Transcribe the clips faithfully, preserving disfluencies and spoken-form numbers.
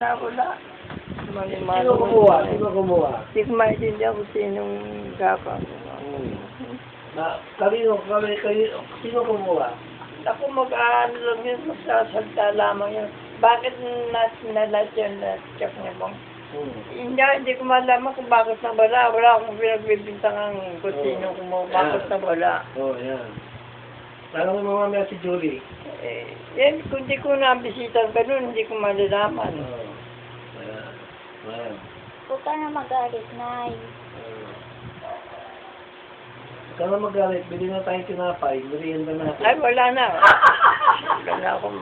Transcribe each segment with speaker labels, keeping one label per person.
Speaker 1: Wala.
Speaker 2: Sino kumuha? Sino kumuha?
Speaker 1: Hindi ko maintindihan kung sinong gapa.
Speaker 2: Hmm. Na, kanino, kami, kayo, sino kumuha?
Speaker 1: Ako mag-ano lang yun, magsasalta lamang yun. Bakit nat nalat yun na check niya bang?
Speaker 2: Hmm.
Speaker 1: Hindi, hindi ko malaman kung bakit na wala. Wala akong pinagbibintangan kung sino kumuha. Bakit na wala.
Speaker 2: Oo, oh, yan. Tanong mo mamaya si Julie.
Speaker 1: Eh, yan, kung di ko nabisitan ganun, hindi ko malalaman.
Speaker 2: Oo. Oh. Ayan. Ayan.
Speaker 3: Huwag ka na magalit, Nay.
Speaker 2: Huwag ka na magalit. Bili na tayong tinapay. Merienda natin.
Speaker 1: Ay, wala na. Wala na akong...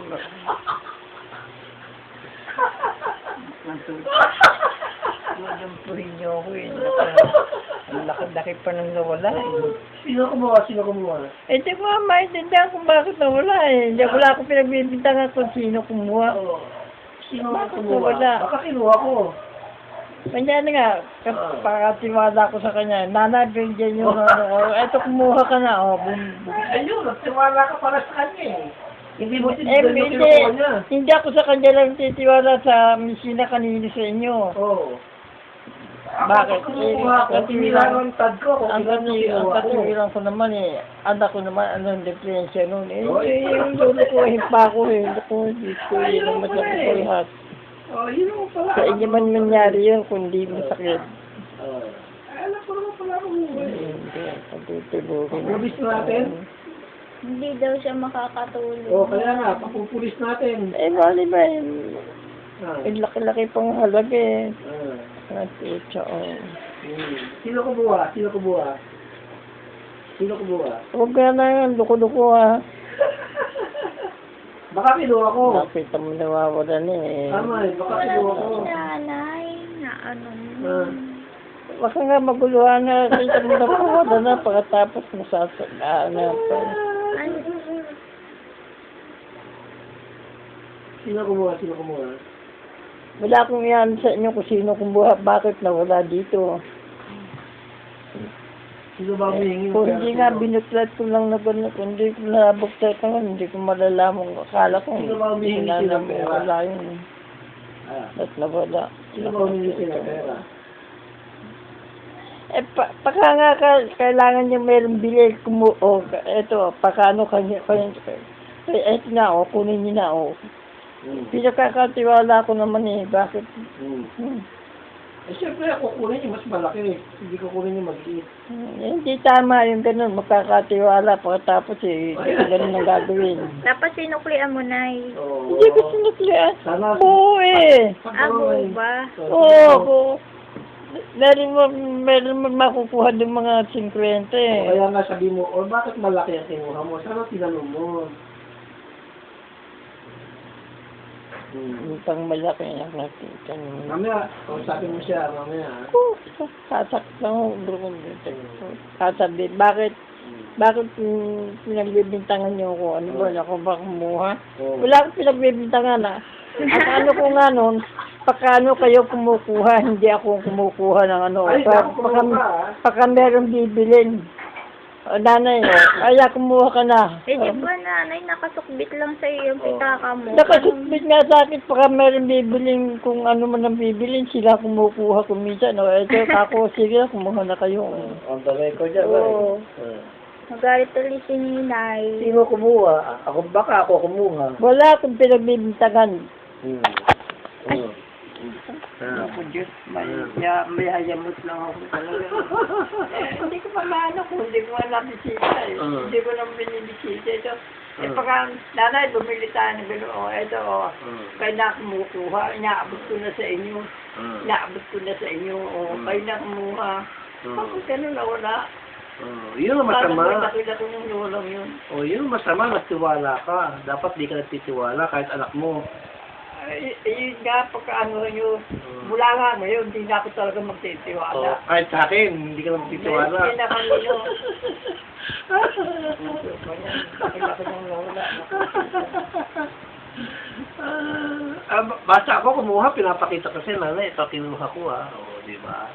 Speaker 1: Madampuhin niyo ako eh. Ang laki-laki pa nang nawala eh.
Speaker 2: Sino kumuha? Sino kumuha?
Speaker 1: Eh, di ko nga maintindihan kung bakit nawala eh. Hindi wala akong pinagbibintangan kung sino kumuha.
Speaker 2: Oo. Sino
Speaker 1: Bakit
Speaker 2: kumuha?
Speaker 1: nawala?
Speaker 2: Baka kinuha ko.
Speaker 1: Kanya na nga, pakatiwala ko sa kanya, nanay, dyan yung ano, eto kumuha ka na, oh, bum, bum.
Speaker 2: Ayun, nagtiwala ka para sa kanya eh. Hindi mo
Speaker 1: Eh,
Speaker 2: tinignan yung
Speaker 1: hindi,
Speaker 2: kinuha niya.
Speaker 1: hindi ako sa kanya lang titiwala sa misina kanino sa inyo.
Speaker 2: Oo.
Speaker 1: Bakit?
Speaker 2: Ako kumuha ko, tinilang ang tad ko.
Speaker 1: Ang kati, ang katiwilan ko naman eh, anak ko naman, anong diferensya nun eh,
Speaker 2: Oh,
Speaker 1: eh, yung lolo ko, himpa ko eh, hindi ko, hindi ko, yun ang masakit ko lahat.
Speaker 2: Oh, yun mo pala.
Speaker 1: Sa inyo man nangyari yun, kundi masakit.
Speaker 2: Oo. Alam ko naman pala kumuha eh.
Speaker 1: Hindi, patutulogin.
Speaker 2: Pagpupis natin?
Speaker 3: Hindi daw siya makakatulog.
Speaker 2: Oo, kaya nga, papupulis natin.
Speaker 1: Eh, bali ba yun?
Speaker 2: Ah.
Speaker 1: Eh, laki-laki pang halaga eh.
Speaker 2: Ah.
Speaker 1: At ito, oh.
Speaker 2: Hmm. Sino kumuha? Sino kumuha? Sino kumuha?
Speaker 1: Huwag ka na yan, luko-luko ha.
Speaker 2: Baka kinuha ko.
Speaker 1: Nakita mo nawawala na eh.
Speaker 2: Tama eh, baka
Speaker 3: Wala
Speaker 2: kinuha ko.
Speaker 3: si Nanay na ano mo.
Speaker 2: Ah.
Speaker 1: Baka nga maguluhan na, kita mo nawawala na pagkatapos mo sasagaan na pa.
Speaker 3: Ano?
Speaker 2: Sino kumuha? Sino kumuha?
Speaker 1: Wala akong yan sa inyo kung sino kumuha, bakit nawala dito.
Speaker 2: Sino ba humihingi?
Speaker 1: Kung hindi nga binuklat ko lang na gano'n, kung hindi ko nabuklat ko, hindi ko malalaman. Akala ko,
Speaker 2: Sino ba humihingi sila
Speaker 1: sinanam-
Speaker 2: pera?
Speaker 1: wala yun.
Speaker 2: Ah.
Speaker 1: At nawala.
Speaker 2: Sino ba humihingi sila pera?
Speaker 1: Eh, pa, paka nga ka, kailangan niya mayroong bili, kumu, o, eto, pakano kanya, kanya, eh, eto na, o, kunin niyo na, o.
Speaker 2: Hmm.
Speaker 1: Pinakakatiwala ko naman eh, bakit?
Speaker 2: Hmm.
Speaker 1: Hmm.
Speaker 2: Eh, siyempre, ako kunin yung mas malaki. Hindi ko kunin yung maliit.
Speaker 1: Hmm, eh, hindi tama yung ganun, magkakatiwala, pagkatapos eh, hindi ko ganun ang gagawin.
Speaker 3: Dapat sinuklian mo, Nay.
Speaker 2: Oo.
Speaker 1: Hindi ko sinuklian.
Speaker 2: Sana.
Speaker 1: Oo eh.
Speaker 3: Abo ba?
Speaker 1: Oo, oo. Meron mo, meron mo makukuha ng mga singkwenta
Speaker 2: O,
Speaker 1: eh.
Speaker 2: kaya nga sabi mo, o bakit malaki ang kinuha mo? Sana tinanong mo. Hmm.
Speaker 1: Yung pang malaki ang nakita niyo.
Speaker 2: Mamaya, kausapin mo siya, mamaya.
Speaker 1: Oh, sasak lang ako, bro. Sasabi, bakit, bakit mm, pinagbibintangan niyo ako? Ano ba, ako ba kumuha?
Speaker 2: Oo.
Speaker 1: Wala akong pinagbibintangan ah. Ang ano ko nga nun, pakano kayo kumukuha, hindi ako kumukuha ng ano.
Speaker 2: Ay,
Speaker 1: Pa,
Speaker 2: ako
Speaker 1: paka,
Speaker 2: kumuha, ah.
Speaker 1: paka meron bibilin. O, nanay, o, kaya kumuha ka na.
Speaker 3: Eh, di ba, Nanay, nakasukbit lang sa iyo yung pitaka mo.
Speaker 1: Nakasubmit nga sa akin, paka meron bibilin, kung ano man ang bibilin, sila kumukuha kuminsan. O, eto, ako, sige, kumuha na kayo.
Speaker 2: Ang tagay ko dyan,
Speaker 1: Oo.
Speaker 2: eh.
Speaker 3: Magalit ulit si Nanay.
Speaker 2: Sino kumuha? Ako, baka ako kumuha.
Speaker 1: Wala akong pinagbibintangan.
Speaker 2: Hmm. Hmm.
Speaker 1: Ako, Diyos, may, ya, may hayamot lang ako talaga. Eh, hindi ko pa maano kung hindi ko nga nabisita eh.
Speaker 2: Uh.
Speaker 1: Hindi ko nang binibisita. Ito, eh,
Speaker 2: Uh.
Speaker 1: pagka, nanay, bumili tayo ng gano'n, o, ito, o,
Speaker 2: Uh.
Speaker 1: kayo na kumukuha, inaabot ko na sa inyo,
Speaker 2: Uh.
Speaker 1: inaabot ko na sa inyo, o,
Speaker 2: Uh.
Speaker 1: kayo na kumuha.
Speaker 2: Uh.
Speaker 1: Bakit gano'n na wala?
Speaker 2: Oh, yun ang
Speaker 1: Parang
Speaker 2: masama.
Speaker 1: nakita ko ng lulang yun.
Speaker 2: Oh, yun ang masama, nagtiwala ka. Dapat di ka nagtitiwala kahit anak mo.
Speaker 1: Ay, yun nga, pagka ano nyo, mula nga ngayon, hindi na ako talaga
Speaker 2: Oh,
Speaker 1: magtitiwala.
Speaker 2: kahit sa akin, hindi ka na magtitiwala.
Speaker 1: Hindi na kanino. Nakita ko ng lola.
Speaker 2: Ah, basta ako kumuha, pinapakita kasi nanay, ito kinuha ko ah. Oo, di ba?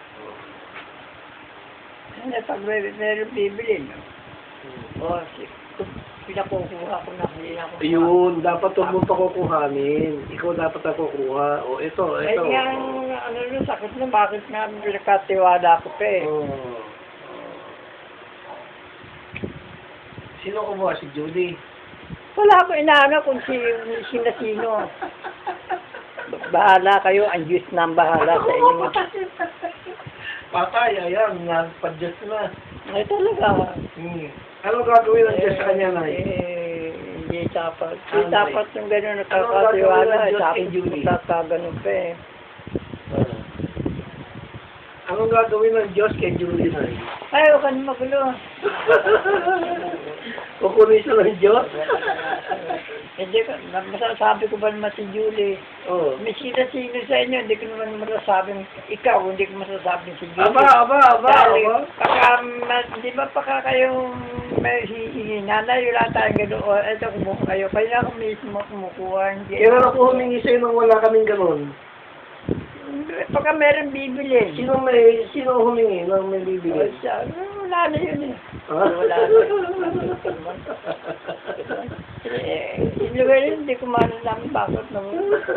Speaker 1: Ano, pag may meron bibili, no?
Speaker 2: Hmm.
Speaker 1: O, sige. pinakukuha ko na, hindi na ako.
Speaker 2: Ayun, dapat huwag mo pa kukuhanin. Ikaw dapat ang kukuha. O, ito,
Speaker 1: Eh,
Speaker 2: ito.
Speaker 1: nga, ano nun, sakit na, bakit nga pinakatiwala ko pa eh.
Speaker 2: Oh. Sino kumuha? Si Judy.
Speaker 1: Wala akong inaano kung si, sino sino. Bahala kayo, ang Diyos na ang bahala sa inyo.
Speaker 2: Patay, ayan, nagpa-Diyos na.
Speaker 1: Ay talaga.
Speaker 2: Hmm. Ano gagawin ng Diyos sa kanya, Nay?
Speaker 1: Eh, hindi dapat.
Speaker 2: Ano,
Speaker 1: Hindi dapat yung gano'n
Speaker 2: Ano
Speaker 1: nakakatiwala.
Speaker 2: gagawin ng
Speaker 1: Eh,
Speaker 2: Diyos
Speaker 1: sa
Speaker 2: kay
Speaker 1: akin,
Speaker 2: Julie?
Speaker 1: magkakaganon pa eh.
Speaker 2: Ah. Anong gagawin ng Diyos kay Julie, Nay?
Speaker 1: Ay, huwag ka na magulo.
Speaker 2: Kukunin siya ng Diyos?
Speaker 1: Hindi ko, masasabi ko ba naman si Julie?
Speaker 2: Oo.
Speaker 1: May sino-sino sa inyo, hindi ko naman masasabing ikaw, hindi ko masasabing si Julie.
Speaker 2: Aba, aba, aba,
Speaker 1: Dahil,
Speaker 2: aba.
Speaker 1: baka, ma- di ba baka kayong may hihingi, nanay, wala tayong gano'n, o eto, kumuha kayo, kaya ako mismo kumukuha, hindi.
Speaker 2: Kailan ako humingi sa'yo nang wala kaming ganun?
Speaker 1: Baka meron bibili.
Speaker 2: Sino may, sino humingi nang may bibigay?
Speaker 1: O, siya, wala na yun eh.
Speaker 2: Ha?
Speaker 1: Wala na. Eh, yung lugar yun, hindi ko malalaman bakit naman.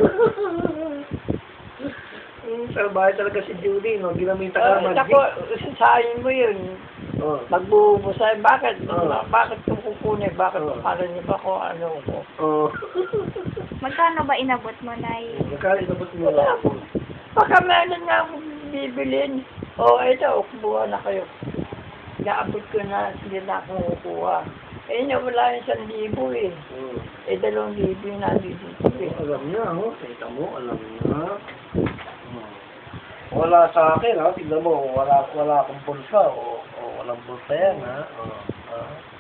Speaker 2: Hmm, salbahe talaga si Judy, no? Ginamita ka
Speaker 1: Uh,
Speaker 2: ng
Speaker 1: ako,
Speaker 2: magic.
Speaker 1: sasayin mo yun.
Speaker 2: Oh.
Speaker 1: Magbubusahin. Bakit?
Speaker 2: Oo.
Speaker 1: Bakit ito kukunin? Bakit
Speaker 2: Oo.
Speaker 1: para niyo ba ko ano ko?
Speaker 2: Oh.
Speaker 3: Magkano ba inabot mo, Nay?
Speaker 2: Magkano inabot mo
Speaker 1: Wala
Speaker 2: lang?
Speaker 1: ako. Baka meron nga akong bibilin. O, ito, kubuha na kayo. Naabot ko na, hindi na akong kukuha. Eh, niya, wala yung isang libo eh.
Speaker 2: Hmm.
Speaker 1: Eh, dalawang libo yung nandito eh.
Speaker 2: Alam niya, oh. Kita mo, alam niya. Hmm. Wala sa akin, ha? Tignan mo, wala, wala akong bulsa. O, o walang bulsa yan, ha? O, ha?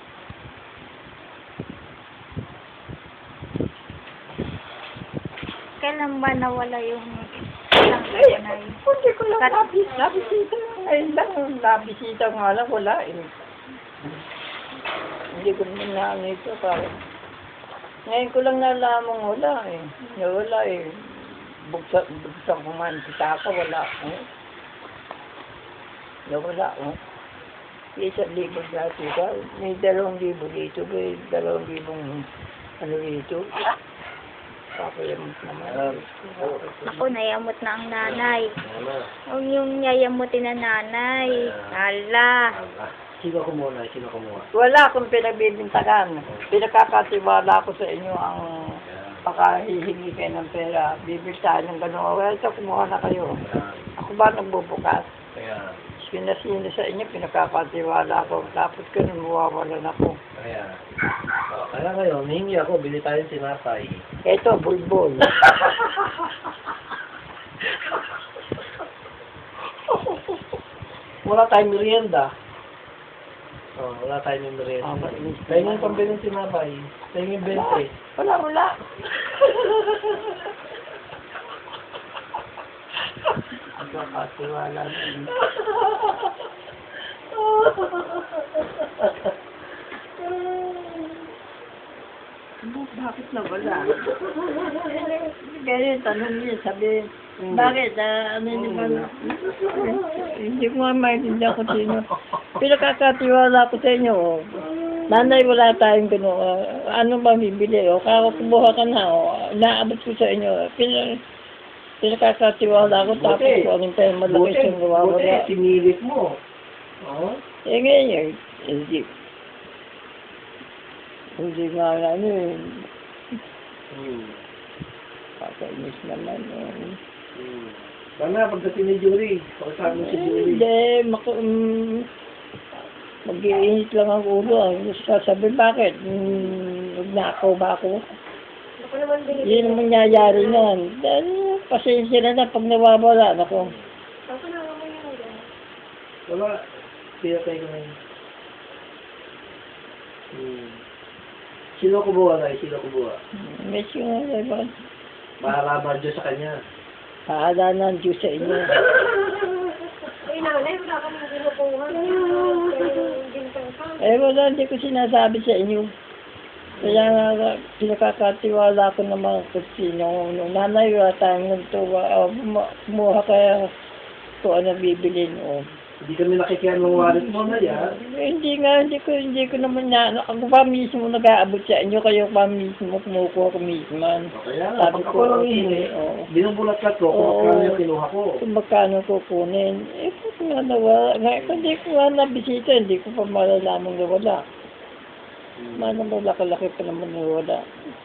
Speaker 3: Kailan ba nawala yung isang
Speaker 1: Ay,
Speaker 3: libo, Nay?
Speaker 1: hindi ko lang
Speaker 3: Kat-
Speaker 1: nabis, nabisita. Ayun lang, nabisita nga lang, wala eh. Hindi ko naman na ano ito, parang. Ngayon ko lang nalaman wala eh. Nawala eh. Buksan, buksan ko man si Taka, wala. Eh. Nawala, oh. Isang libo dati ka. May dalawang libo dito, may dalawang libong ano dito. Papayamot naman.
Speaker 3: Ako, nayamot na ang nanay.
Speaker 2: Ano?
Speaker 3: Huwag yung yayamutin na nanay. Hala.
Speaker 2: Sino kumuha? Sino kumuha?
Speaker 1: Wala akong pinagbibintagan. Pinakakatiwala ko sa inyo ang baka hihingi kayo ng pera. Bibiltahan ng gano'n. Well, ito, kumuha na kayo. Ako ba nagbubukas?
Speaker 2: Kaya,
Speaker 1: Sino-sino sa inyo, pinakakatiwala ko. Tapos ko nung mawawalan ako.
Speaker 2: kaya. O, kaya ngayon, hihingi ako, bili tayo ng sinapay.
Speaker 1: Ito, bulbul.
Speaker 2: Wala tayong merienda. Oh, wala tayong merienda.
Speaker 1: Ah, mainis
Speaker 2: Tayo
Speaker 1: naman.
Speaker 2: yung pambili ng sinapay. Tayo yung bente.
Speaker 1: Wala, wala. Pinakakatiwala na inyo. Ano, bakit na wala? Kaya tanong niya, sabi, bakit, ah, ano naman, hindi ko nga maintindihan kung sino. Pinakakatiwala ko sa inyo, oh. Nanay, wala tayong gano'n, ah, ano ba bibili, o, kaya kumuha ka na, o, naabot ko sa inyo, Pina, pinakakatiwala ko, tapos
Speaker 2: Buti.
Speaker 1: kung anong tayo malaki
Speaker 2: Buti,
Speaker 1: siyang gawawala.
Speaker 2: buti, sinilit mo. Oh?
Speaker 1: Eh, ngayon, hindi, hindi nga, ano, eh,
Speaker 2: Hmm.
Speaker 1: kakainis naman, eh.
Speaker 2: Hmm. Sana, pagdating ni Julie, pagkasabi mo si Julie.
Speaker 1: Hindi, mak- um, mag-iinit lang ang ulo. Ang sasabi, bakit? Hmm, nagnakaw ba ako? Yun ang mangyayari nun. Dahil, pasensya na na pag nawawala. Ako.
Speaker 2: Wala. Kaya tayo ko ngayon. Hmm. Sino kumuha na? Sino kumuha?
Speaker 1: Medyo nga, diba?
Speaker 2: Bahala ba Diyos sa kanya?
Speaker 1: Paala na ang Diyos sa inyo. Eh, wala, hindi ko sinasabi sa inyo. Kaya nga, pinakakatiwala ko ng mga kusino. Nung nanay, wala tayong nagtuwa. O, kumuha kaya kung ano bibilin. O,
Speaker 2: Hindi kami nakikiyan ng wallet mo na yan.
Speaker 1: Eh, hindi nga, hindi ko, hindi ko naman na, ako pa mismo nag-aabot sa inyo, kayo pa mismo kumukuha ko mismo.
Speaker 2: Kaya,
Speaker 1: Sabi
Speaker 2: pag
Speaker 1: ko,
Speaker 2: ako lang
Speaker 1: okay,
Speaker 2: hihingi,
Speaker 1: oo.
Speaker 2: binubulat-lat ko kung
Speaker 1: Oo.
Speaker 2: magkano yung kinuha ko.
Speaker 1: Kung magkano kukunin, eh, kung nga nawala, nga, kung hindi ko nga nabisita, hindi ko pa malalaman na wala.
Speaker 2: Hmm.
Speaker 1: Manang malaki-laki pa naman na wala.